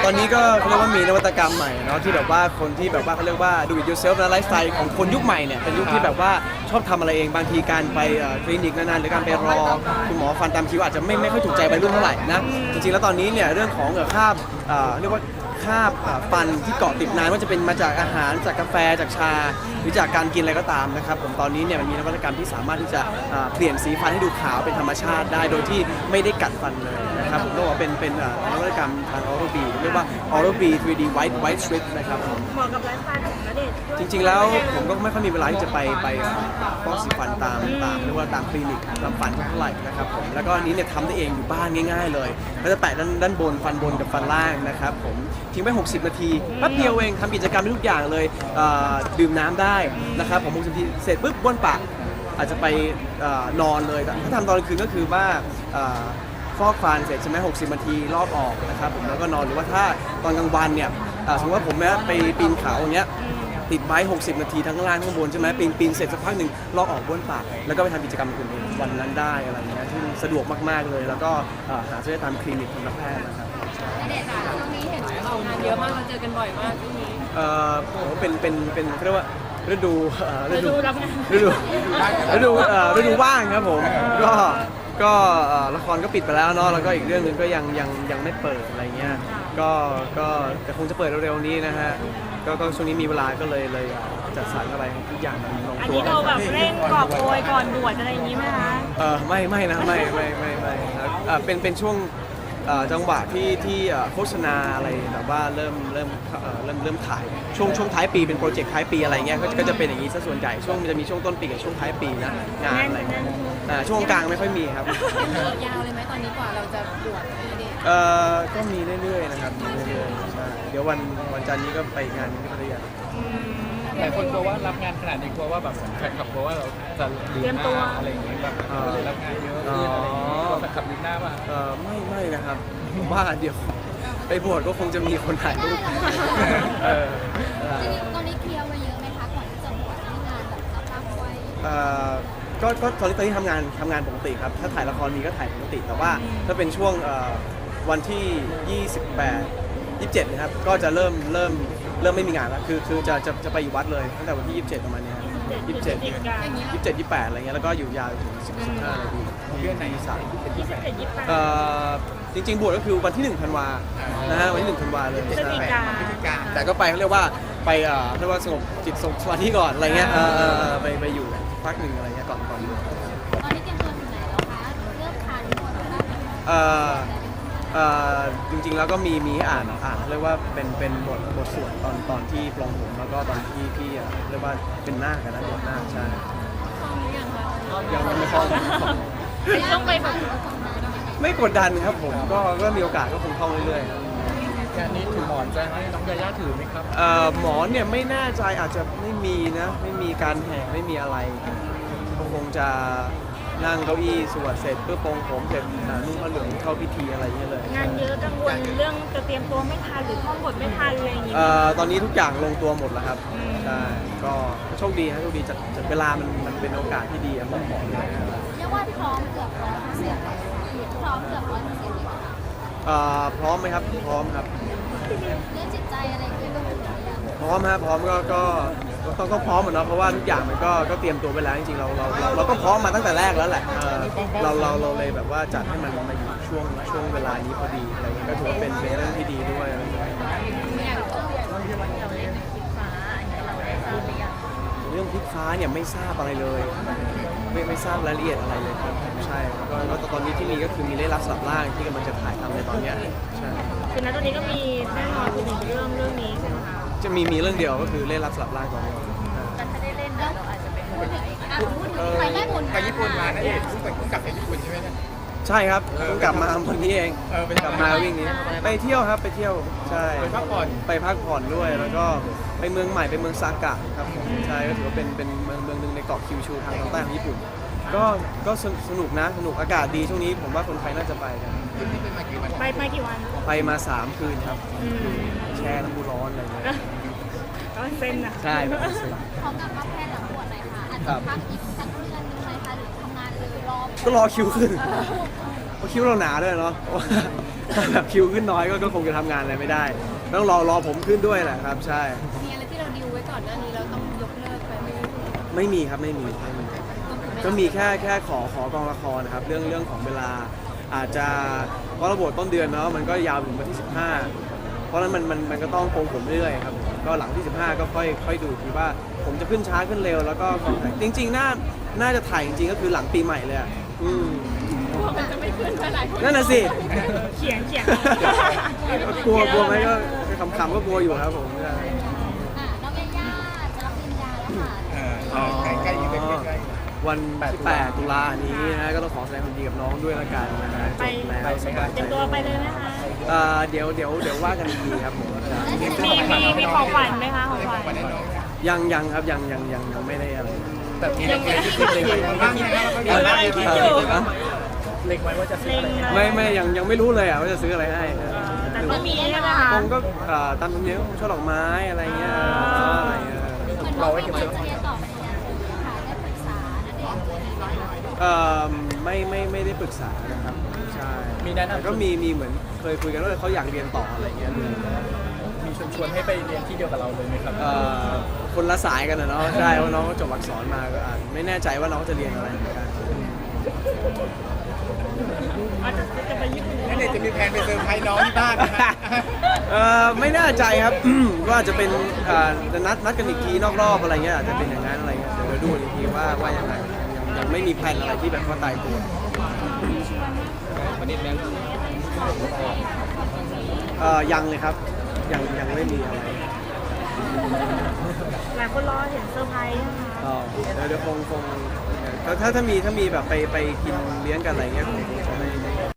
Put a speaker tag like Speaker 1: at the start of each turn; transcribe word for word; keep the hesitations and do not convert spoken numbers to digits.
Speaker 1: ตอนนี้ก็เขาเรียกว่ามีนวัตกรรมใหม่เนาะที่แบบว่าคนที่แบบว่าเขาเรียกว่า do it yourself นะไลฟ์สไตล์ของคนยุคใหม่เนี่ยเป็นยุคที่แบบว่าชอบทำอะไรเองบางทีการไปคลินิกนานๆหรือการไปรอคุณหมอฟันตามคิวอาจจะไม่ไม่ค่อยถูกใจวัยรุ่นเท่าไหร่นะจริงๆแล้วตอนนี้เนี่ยเรื่องของคราบเรียกว่าคราบฟันที่เกาะติดนานว่าจะเป็นมาจากอาหารจากกาแฟจากชาหรือจากการกินอะไรก็ตามนะครับผมตอนนี้เนี่ยมันมีนวัตกรรมที่สามารถที่จะเปลี่ยนสีฟันให้ดูขาวเป็นธรรมชาติได้โดยที่ไม่ได้กัดฟันเลยนะครับผมต้องบอกว่าเป็นเป็นนวัตกรรมทางออโรบีเรียกว่า Oral-B ทรี ดี White White Strip นะครับผม
Speaker 2: เหมาะกับไลฟ์สไตล์ของณเดชน์ด้วย
Speaker 1: จริงๆแล้วผมก็ไม่ค่อยมีเวลาที่จะไปไปฟอกสีฟันตามตามเรียกว่าตามคลินิกทำฟันเท่าไหร่นะครับผมแล้วก็อันนี้เนี่ยทำได้เองอยู่บ้านง่ายๆเลยก็จะแปะด้านด้านบนฟันบนกับฟันล่างนะครับผมทิ้งไว้หกสิบนาทีแป๊บเดียวเองทำกิจกรรมได้ทุกอย่างเลยดื่มน้ำได้นะครับผมหกสิบนาทีเสร็จปุ๊บบ้วนปากอาจจะไปนอนเลยถ้าทำตอนกลางคืนก็คือว่าฟอกฟันเสร็จใช่ไหมหกสิบนาทีรอบออกนะครับผมแล้วก็นอนหรือว่าถ้าตอนกลางวันเนี่ยสมมติว่าผมเนี่ยไปปีนเขาอย่างเงี้ยติดไว้หกสิบนาทีทั้งล่างทั้งบนใช่ไหมปีนปีนเสร็จสักพักหนึ่งลอกออกบ้วนปากแล้วก็ไปทำกิจกรรมอื่นๆวันนั้นได้อะไรเงี้ยที่สะดวกมากๆเลยแล้วก็หาซื้อได้ตามคลินิกทันตแพทย์นะครับ
Speaker 3: ณเดชน์ค่ะช่วงนี้เห็นออกงาน
Speaker 2: เยอะมากเราเจอกันบ่อยมากที่นี้
Speaker 1: เอ่อผมเป็นเป็นเป็นเรียกว่าฤดูเอ่อ
Speaker 2: ฤดูรับงาน
Speaker 1: ฤดูฤดูเอ่อฤดูว่างครับผมก็ก็เอ่อละครก็ปิดไปแล้วเนาะแล้วก็อีกเรื่องหนึงก็ยังยังยังไม่เปิดอะไรเงี้ยก็ก็แต่คงจะเปิดเร็วๆนี้นะฮะก็ก็ช่วงนี้มีเวลาก็เลยเลยจัดสรรอะไรทุกอย่างมันลง
Speaker 2: อัน
Speaker 1: ตัว
Speaker 2: นี้เราแบบเร่งกอบโกยก่อนบวชอะไรอย่างนี้ไหมคะ
Speaker 1: เออไม่ไม่นะไม่ไม่ไม่ไม่ครับเอ่อเป็นเป็นช่วงเอ่อจังหวะที่ที่เอ่อโฆษณาอะไรแบบว่าเริ่มเริ่มเอ่อเริ่มเริ่มถ่ายช่วงช่วงท้ายปีเป็นโปรเจกต์ท้ายปีอะไรเงี้ยก็จะก็จะเป็นอย่างนี้ซะส่วนใหญ่ช่วงมันจะมีช่วงต้นปีกับช่วงท้ายปีนะงานอะไรเงี้ยอ่าช่วงกลางไม่ค่อยมีครับ
Speaker 3: ยาวเลยไหมตอนนี้กว่าเราจะบวชณเดชน์
Speaker 1: เอ่อก็มีเรื่อยๆนะครับมีเรื่อยๆใช่เดี๋ยววันวันจันทร์นี้ก็ไปงานที่พัทยา
Speaker 4: หลายคนกลัวว่ารับงานขนาดนี้กลัวว่าแบบแฟนคลับกลัวว่าเราจะลืมหน้าอะไรอย่างเงี้ยแบบก็เลยรับงานเยอะขึ้นอะไรอย่างเงี้ยกลัวแฟนคลับลืมหน้าป่ะ
Speaker 1: เอ่อไม่ไม่นะครับผมว่าเดี๋ยวไปบวชก็คงจะมีคนถ่ายรูปเออ
Speaker 3: จริงๆตอนนี้เคลียร์ไว้เยอะไหมคะก่อนที่จะบวชที่งานแบบรับๆไว้
Speaker 1: เอ่อก็ก็ตอนนี้ตอนนี้ทำงานทำงานปกติครับถ้าถ่ายละครมีก็ถ่ายปกติแต่ว่าถ้าเป็นช่วงเอ่อวันที่ยี่สิบแปด ยี่สิบเจ็ดนะครับก็จะเริ่มเริ่มเริ่มไม่มีงานแล้วคือคือจะจะจะไปอยู่วัดเลยตั้งแต่วันที่ยี่สิบเจ็ดประมาณเนี้ยยี่สิบเจ็ด
Speaker 2: พฤศจิกา
Speaker 1: ยี่สิบเจ็ด ยี่สิบแปดอะไรเงี้ยแล้วก็อยู่ยาวถึงสิบห้านาทีเดือนไหนสาม
Speaker 2: ยี่สิบเจ็ดยี่สิบแปด
Speaker 1: เอ่อจริงๆบวชก็คือวันที่หนึ่งธันวานะฮะวันที่หนึ่งธันวาเลย
Speaker 2: พฤศจิกา
Speaker 1: ใช่แต่ก็ไปเขาเรียกว่าไปเอ่อเรียกว่าสงบจิตสงบสมาธิก่อนอะไรเงี้ยเออเออเออไปไปอยู่พักหนึ่งอะไรเงี้ยก่อนก่อนบวช
Speaker 3: ตอนนี้เตรียมตัวถึงไหนแล้วคะเริ่มทานหมดแล้ว
Speaker 1: เอ่อเอ่อจริงๆแล้วก็มีมีให้อ่านอ่านเรียกว่าเป็นเป็นบทบทสวดตอนตอนที่ปลงผมแล้วก็ตอนที่ที่เอ่อเรียกว่าเป็นนาคกันนะบทนาคใช่
Speaker 2: ท่องหรือยังคะ
Speaker 1: ยังไม่คล่อง
Speaker 2: ต้องไปแบบ
Speaker 1: ไม่กดดันครับผมก็ก็มีโอกาสก็คงท่องเรื่อยๆครับ
Speaker 4: งานนี้ถือหมอนจะให้น้องยาย่าถือไหมครับ
Speaker 1: เอ่อหมอเนี่ยไม่แน่ใจอาจจะไม่มีนะไม่มีการแห่ไม่มีอะไรก็คงจะนั่งเก้าอี้สวดเสร็จเพื่อปรงผมเสร็จอ่านุ่งผ้าเหลืองเข้าพิธีอะไรอย่างเงี้ยเลย
Speaker 2: งานเยอะกังวลเรื่องจะเตรียมตัวไม่ทันหรือท่องบทไม่ทันอะไรอย่างนี้
Speaker 1: เอ่อตอนนี้ทุกอย่างลงตัวหมดแล้วครับ
Speaker 2: อืม
Speaker 1: ใช่ก็โชคดีครับโชคดีจัดจัดเวลามันมันเป็นโอกาสที่ดีอะผมบอกเลย
Speaker 3: เรียกว่าพร้อมเกือบร้อยเปอร์เซ็นต์พร้อมเกือบร้อยเปอร์เซ็นต์เลยค่ะ
Speaker 1: เอ่อพร้อมไหมครับพร้อมครับ
Speaker 3: เรื่องจิตใจอะไรคือต้องถึงหรือยัง
Speaker 1: พร้อมฮะพร้อมก็ก็ก็ต้องต้องพร้อมเหมือนเนาะเพราะว่าทุกอย่างมันก็ก็เตรียมตัวไปแล้วจริงๆเราเราเราเราก็พร้อมมาตั้งแต่แรกแล้วแหละเออเราเราเราเลยแบบว่าจัดให้มันมาอยู่ช่วงช่วงเวลานี้พอดีอะไรเงี้ยก็ถือว่าเป็นเป็นเรื่องที่ดีด้วยอะไรเงี้ยเรื่องพลิกฟ้าเนี่ยไม่ทราบอะไรเลยไม่ไม่ทราบรายละเอียดอะไรเลยครับใช่แล้วก็แล้วตอนนี้ที่มีก็คือมีเล่รับสลับล่างที่กำลังจะถ่ายทำในตอนเนี้ยใช่
Speaker 2: คือณตอนนี้ก็มีแน่นอนคือหนึ่งเรื่องเรื่องนี้ใช่ไหมคะ
Speaker 1: จะมีมีเรื่องเดียวก็คือเล่นรับสลับร่างตอนนี้
Speaker 3: แต่ถ้าได้เล่นแล้วเราอาจจะเป็นพูดถึงอ่ะพูดถึงไปแม่บุญ
Speaker 4: ไปญี่ปุ่นมานะเอกเพิ่งไปเพิ่งกลับไปญี่ปุ่นใช่ไหมเนี่ย
Speaker 1: ใช่ครับเพิ่งกลับมาวันนี้เอง
Speaker 4: เออไป
Speaker 1: กลับมาวิ่งนี้ไปเที่ยวครับไปเที่ยวใช่
Speaker 4: ไปพักผ่อน
Speaker 1: ไปพักผ่อนด้วยแล้วก็ไปเมืองใหม่ไปเมืองซากะครับผมใช่ก็ถือว่าเป็นเป็นเมืองเมืองหนึ่งในเกาะคิวชูทางตอนใต้ของญี่ปุ่น ก็ก็สนุกสนุกนะสนุกอากาศดีช่วงนี้ผมว่าคนไทยน่าจะไปกัน
Speaker 4: นี่เป็นมากี่วัน
Speaker 2: ไปไปกี่วัน
Speaker 1: ไปมาสามคืนครับ
Speaker 2: อืม
Speaker 1: แช่น้ำพุร้อนอะไรเงี้ย
Speaker 2: ก็เส้นนะ
Speaker 1: ใช่แบบนั้นสิ
Speaker 3: พร้อมกับรับแพทย์หลังบวชหน่อยค่ะอาจจะพักอีกสักเดือนหนึงไหมคะหรือทำงานเลยรอ
Speaker 1: ก็รอคิวขึ้นเพราะคิวเราหนาด้วยเนาะเพราะว่าถ้าแบบคิวขึ้นน้อยก็ก็คงจะทำงานอะไรไม่ได้ ต้องรอรอผมขึ้นด้วยแหละครับใช่
Speaker 3: มีอะไรที่เราดิวไว้ก่อนหน้านี้เราต้องยกเลิกไปไหม
Speaker 1: ไม่มีครับไม่มีไม่มีก็มีแค่แค่ขอขอกองละครนะครับเรื่องเรื่องของเวลาอาจจะเพราะระบบต้นเดือนเนาะมันก็ยาวถึงวันที่สิบห้าเพราะฉะนั้นมันมันมันก็ต้องโกงผมเรื่อยๆครับก็หลังที่สิบห้าก็ค่อยค่อยดูทีว่าผมจะขึ้นช้าขึ้นเร็วแล้วก็จริงๆน่าน่าจะถ่ายจริงๆก็คือหลังปีใหม่เลยอะอืม
Speaker 2: กลัวมันจะไม่ขึ้นเท่าไหร่
Speaker 1: นั่นน่ะสิ
Speaker 2: เขียนเขียน
Speaker 1: กลัวกลัวไหมก็คำๆก็กลัวอยู่ครับผม
Speaker 3: อ่ะน้องยาย่าจะรับปริญญาแล้วค่ะ
Speaker 4: เออใกล้ใกล้ๆใกล้ๆใกล้
Speaker 1: วันที่แปดตุลานี้นะก็ต้องขอแสดงความดีกับน้องด้วยละกันนะฮะจบแล้วสบาย
Speaker 2: เต
Speaker 1: ใจ
Speaker 2: รียมตัวไปเลยไหมคะ
Speaker 1: เอ่อเดี๋ยวเดี๋ยวเดี๋ยวว่ากันอีกทีครับผม
Speaker 2: มีมีมีของขวัญไหมคะของขวัญ
Speaker 1: ยังยังครับยังยังยังยังไม่ได้อะไร
Speaker 4: ๆแต่มีเล็กๆที่คิดเล็งไว้บ้างไหมครับ
Speaker 2: เดี๋ยวอะไรคิดอยู่
Speaker 4: เล็งไว้ว่าจะซื้ออะไร
Speaker 2: เล็ง
Speaker 1: ไม่ไม่ยังยังไม่รู้เลยอ่ะว่าจะซื้ออะไรให้
Speaker 2: แต่ก็มีใช่ไหมคะ
Speaker 1: คงก็เอ่อตามธรรมเนียมช่อดอกไม้อะไรเงี้ยอะไรเงี้ย
Speaker 3: เหมือนน้องไม่เหมือนจะเรียนต่อปริญญาโทค่ะได้ปรึกษาณเดชน์อะไรอย่างเงี้ย
Speaker 1: เอ่อไม่ไม่ไม่ได้ปรึกษานะครับใช่
Speaker 4: มีแนะ
Speaker 1: แต่
Speaker 4: นำ
Speaker 1: ก็มีมีเหมือนเคยคุยกันว่าเขาอยากเรียนต่ออะไรเงี้ย
Speaker 4: มีชวนชวนให้ไปเรียนที่เดียวกับเราเลยไหมครับ
Speaker 1: เอ่อคนละสายกันนะเนาะใช่ว่าน้องก็จบอักษรมาก็อาจไม่แน่ใจว่าน้องจะเรียนอะไรเหมือนกัน
Speaker 2: อาจจะจะไปญี่ปุ่น
Speaker 4: นั่นเองจะมีแผนไปเซอร์ไพรส์น้องที่บ้านนะฮะ
Speaker 1: เอ่อไม่แน่ใจครับ ว่าจะเป็นเอ่อจะนัดนัดกันอีกทีนอกรอบอะไรเงี้ยอาจจะเป็นอย่างนั้นอะไรเงี้ยเดี๋ยวเราดูอีกทีว่าว่ายังไงยังยังไม่มีแผนอะไรที่แบบว่าตายตัว
Speaker 4: วันนี้แม่
Speaker 1: เอ่อยังเลยครับยังยังไม่มีอะไร
Speaker 2: หลายคนรอเห็นเซอร์ไพรส์นะคะ
Speaker 1: ก็เดี๋ยวเดี๋ยวคงคงถ้าถ้าถ้ามีถ้ามีแบบไปไปกินเลี้ยงกันอะไรเงี้ยคงคง